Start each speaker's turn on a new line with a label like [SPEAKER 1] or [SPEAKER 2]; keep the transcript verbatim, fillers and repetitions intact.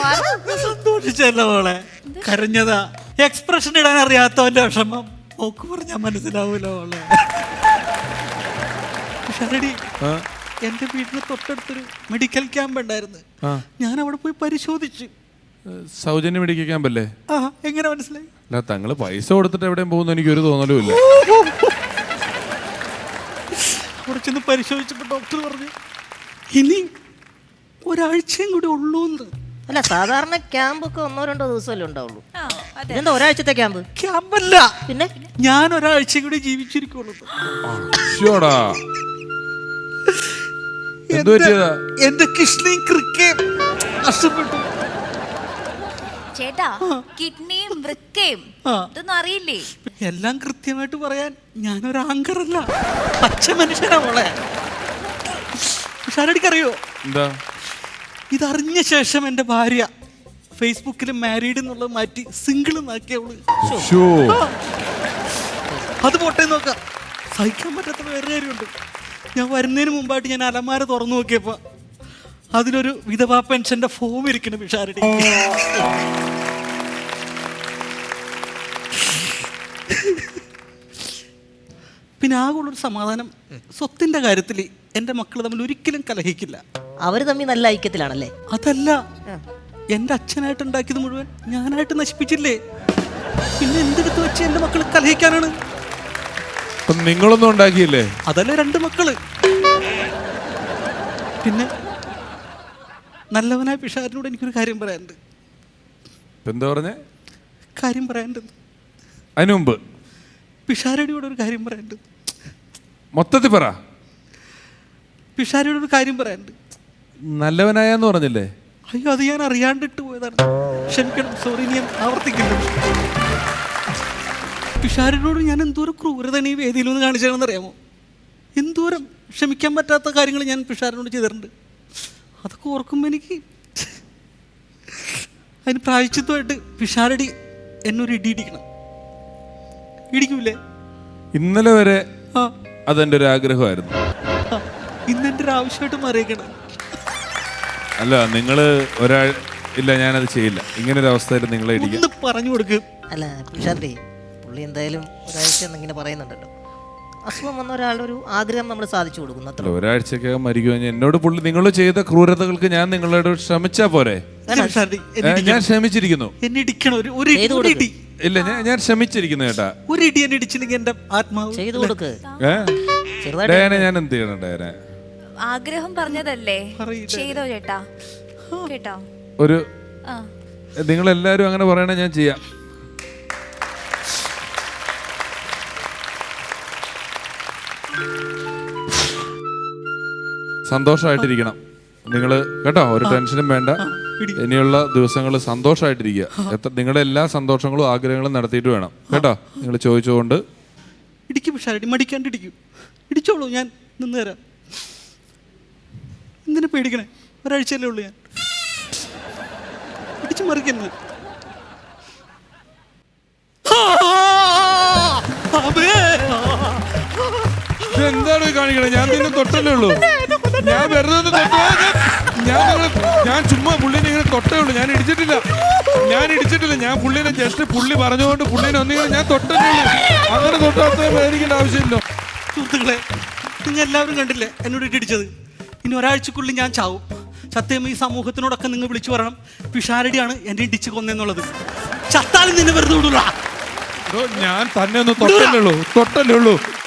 [SPEAKER 1] സന്തോഷിച്ചല്ലോ മോളെ, കരഞ്ഞതാ. എക്സ്പ്രഷൻ ഇടാൻ അറിയാത്തവന്റെ വിഷമം ഓക്ക് പറഞ്ഞാൽ മനസ്സിലാവൂല മോളെ. ഷരടി, എന്റെ വീടിന് തൊട്ടടുത്തൊരു മെഡിക്കൽ ക്യാമ്പ് ഉണ്ടായിരുന്നു. ഞാൻ അവിടെ പോയി പരിശോധിച്ചു.
[SPEAKER 2] സൗജന്യ മെഡിക്കൽ ക്യാമ്പല്ലേ?
[SPEAKER 1] ആ, എങ്ങനെ മനസ്സിലായി?
[SPEAKER 2] അല്ല, തങ്ങള് പൈസ കൊടുത്തിട്ട് എവിടെയും പോകുന്ന എനിക്കൊരു തോന്നലും ഇല്ല.
[SPEAKER 1] കുറച്ചൊന്ന് പരിശോധിച്ചപ്പോ ഡോക്ടർ പറഞ്ഞു ഇനി ഒരാഴ്ചയും കൂടി ഉള്ളൂ.
[SPEAKER 3] അല്ല, സാധാരണ ക്യാമ്പൊക്കെ ഒന്നോ രണ്ടോ ദിവസമല്ലേ ഉണ്ടാവുള്ളൂ. എന്താ ഒരാഴ്ചത്തെ ക്യാമ്പ്?
[SPEAKER 1] ക്യാമ്പല്ല, പിന്നെ ഞാൻ ഒരാഴ്ചയും കൂടി ജീവിച്ചിരിക്കുള്ളൂ. എന്റെ കിഡ്നിയും കൃക്കയും നഷ്ടപ്പെട്ടു.
[SPEAKER 4] ചേട്ടാ, കിഡ്നിയും വൃക്കയും ഇതൊന്നും അറിയില്ലേ?
[SPEAKER 1] എല്ലാം കൃത്യമായിട്ട് പറയാൻ ഞാനൊരു ആങ്കറല്ല, പച്ച മനുഷ്യനാ മോളെ. ഷാരടിക്കറിയോ
[SPEAKER 2] എന്താ?
[SPEAKER 1] ഇതറിഞ്ഞ ശേഷം എൻ്റെ ഭാര്യ ഫേസ്ബുക്കിൽ മാരീഡ് എന്നുള്ളത് മാറ്റി സിംഗിൾ എന്നാക്കിയവള്. അത് പോട്ടെ നോക്കാം. സഹിക്കാൻ പറ്റാത്ത വേറെ കാര്യമുണ്ട്. ഞാൻ വരുന്നതിന് മുമ്പായിട്ട് ഞാൻ അലമാര തുറന്നു നോക്കിയപ്പോ അതിലൊരു വിധവാ പെൻഷന്റെ ഫോം ഇരിക്കണം പിഷാരടി. പിന്നെ ആകുള്ളൊരു സമാധാനം, സ്വത്തിന്റെ കാര്യത്തിൽ എൻ്റെ മക്കൾ തമ്മിൽ ഒരിക്കലും കലഹിക്കില്ല.
[SPEAKER 3] അവര് തമ്മിൽ നല്ല ഐക്യത്തിലാണല്ലേ?
[SPEAKER 1] അതല്ല, എൻ്റെ അച്ഛനായിട്ട് ഉണ്ടാക്കിയത് മുഴുവൻ ഞാനായിട്ട് നശിപ്പിച്ചില്ലേ. പിന്നെ എന്തെടുത്ത് വെച്ച് എൻ്റെ മക്കൾ കലഹിക്കാനാണ്?
[SPEAKER 2] നിങ്ങളൊന്നും ഉണ്ടാക്കിയില്ലേ?
[SPEAKER 1] അതല്ലേ രണ്ട് മക്കള്. പിന്നെ നല്ലവനായ പിഷാരനോട് എനിക്കൊരു കാര്യം പറയാനുണ്ട്.
[SPEAKER 2] എന്താ പറഞ്ഞേ?
[SPEAKER 1] കാര്യം പറയാനുണ്ട്.
[SPEAKER 2] അതിനു മുമ്പ്
[SPEAKER 1] പിഷാരടിയോട് ഒരു കാര്യം പറയാനുണ്ട്.
[SPEAKER 2] മൊത്തത്തിൽ പറ.
[SPEAKER 1] പിഷാരടിയോട് ഒരു കാര്യം പറയാനുണ്ട്.
[SPEAKER 2] നല്ലവനായെന്ന് പറഞ്ഞില്ലേ?
[SPEAKER 1] അയ്യോ, അത് ഞാൻ അറിയാണ്ടിട്ട് പോയതാണ്, ക്ഷമിക്കണം. സോറി, ഞാൻ ആവർത്തിക്കുന്നു. പിഷാരടിയോട് ഞാൻ എന്തോരം ക്രൂരതയാണ് ഈ വേദിയിലൊന്ന് കാണിച്ചതെന്ന് അറിയാമോ? എന്തോരം ക്ഷമിക്കാൻ പറ്റാത്ത കാര്യങ്ങൾ ഞാൻ പിഷാരനോട് ചെയ്തിട്ടുണ്ട്. അതൊക്കെ ഓർക്കുമ്പോൾ എനിക്ക് അതിന് പ്രായശ്ചിത്തമായിട്ട് പിഷാരടി എന്നൊരു ഇടി ഇടിക്കണം. ഇടിക്കൂലേ?
[SPEAKER 2] ഇന്നലെ വരെ അതെന്റെ ഒരു ആഗ്രഹമായിരുന്നു.
[SPEAKER 1] ഇന്നെന്റെ ഒരു ആവശ്യമായിട്ട് മാറിയേക്കണം.
[SPEAKER 2] അല്ല, നിങ്ങള് ഒരാൾ ഇല്ല, ഞാനത് ചെയ്യില്ല. ഇങ്ങനെ ഒരു അവസ്ഥയിൽ നിങ്ങളെ ഇടിക്കും
[SPEAKER 1] പറഞ്ഞു കൊടുക്കും.
[SPEAKER 3] അല്ല പിഷാരടി, പുള്ളി എന്തായാലും ഒരാഴ്ച എന്നിങ്ങനെ പറയുന്നുണ്ടല്ലോ. അസുഖം വന്ന ഒരാളുടെ ഒരു ആഗ്രഹം നമ്മൾ സാധിച്ചു കൊടുക്കുന്നു.
[SPEAKER 2] ഒരാഴ്ചക്കകം മരിക്കുമെന്ന് എന്നോട് പുള്ളി, നിങ്ങൾ ചെയ്ത ക്രൂരതകൾക്ക് ഞാൻ നിങ്ങളോട് ക്ഷമിച്ചാ പോരെ? ഞാൻ ക്ഷമിച്ചിരിക്കുന്നു. ഇല്ല, ഞാൻ ഞാൻ ക്ഷമിച്ചിരിക്കുന്നു ചേട്ടാ.
[SPEAKER 1] ഒരു ഇടി എന്നെ ഇടിച്ചില്ലെങ്കിൽ എന്റെ ആത്മാവ്
[SPEAKER 3] ചെയ്തു കൊടുക്ക്.
[SPEAKER 2] ഡയനെ ഞാൻ എന്ത് ചെയ്യണം? ഡയനെ
[SPEAKER 4] ആഗ്രഹം പറഞ്ഞതല്ലേ, ചെയ്തോ ചേട്ടാ. കേട്ടോ?
[SPEAKER 2] ഒരു നിങ്ങളെല്ലാരും അങ്ങനെ പറയണേ, ഞാൻ ചെയ്യാം. സന്തോഷമായിട്ടിരിക്കണം നിങ്ങൾ കേട്ടോ, ഒരു ടെൻഷനും വേണ്ട. ഇനിയുള്ള ദിവസങ്ങൾ സന്തോഷമായിട്ടിരിക്കുക. എത്ര നിങ്ങളുടെ എല്ലാ സന്തോഷങ്ങളും ആഗ്രഹങ്ങളും നടത്തിയിട്ട് വേണം കേട്ടോ. നിങ്ങൾ ചോദിച്ചുകൊണ്ട്
[SPEAKER 1] ഇടിക്കും പിഷാരടി, മടിക്കാണ്ട് ഇടിക്കും. ഇടിച്ചോളൂ, ഞാൻ നിന്ന് തരാം. എന്തിനാ പേടിക്കണേ? ഒരാഴ്ചയല്ലേ ഉള്ളൂ. ഞാൻ ഇടിച്ചു മറിക്കുന്നത്.
[SPEAKER 2] എന്താണ് കാണിക്കണേ? ഞാൻ നിന്നെ തൊട്ടല്ലേ ഉള്ളൂ. ഞാൻ വെറുതെ ഞാൻ ഞാൻ ചുമ്മാ പുള്ളിനെ ഇങ്ങനെ തൊട്ടേ ഉള്ളൂ. ഞാൻ ഇടിച്ചിട്ടില്ല, ഞാൻ ഇടിച്ചിട്ടില്ല. ഞാൻ പുള്ളിനെ ജസ്റ്റ് പുള്ളി പറഞ്ഞുകൊണ്ട് പുള്ളിനെ ഒന്നിങ്ങനെ ഞാൻ തൊട്ടേ ഉള്ളൂ. അങ്ങനെ തൊട്ടാത്ത പേടിക്കേണ്ട ആവശ്യമില്ല.
[SPEAKER 1] സുഹൃത്തുക്കളെ, നിങ്ങൾ എല്ലാവരും കണ്ടില്ലേ എന്നോട് ഇടിച്ചത്? ഇനി ഒരാഴ്ചക്കുള്ളിൽ ഞാൻ ചാവും. സത്യം, ഈ സമൂഹത്തിനോടൊക്കെ നിങ്ങൾ വിളിച്ചു പറയണം പിഷാരടിയാണ് എന്നെ ഇടിച്ചു കൊന്നെന്നുള്ളത്. ചത്താലും നിന്നെ വെറുതെ വിടൂല.
[SPEAKER 2] ഞാൻ തന്നെ ഒന്ന് തൊട്ടല്ലേ ഉള്ളൂ, തൊട്ടല്ലേ ഉള്ളൂ.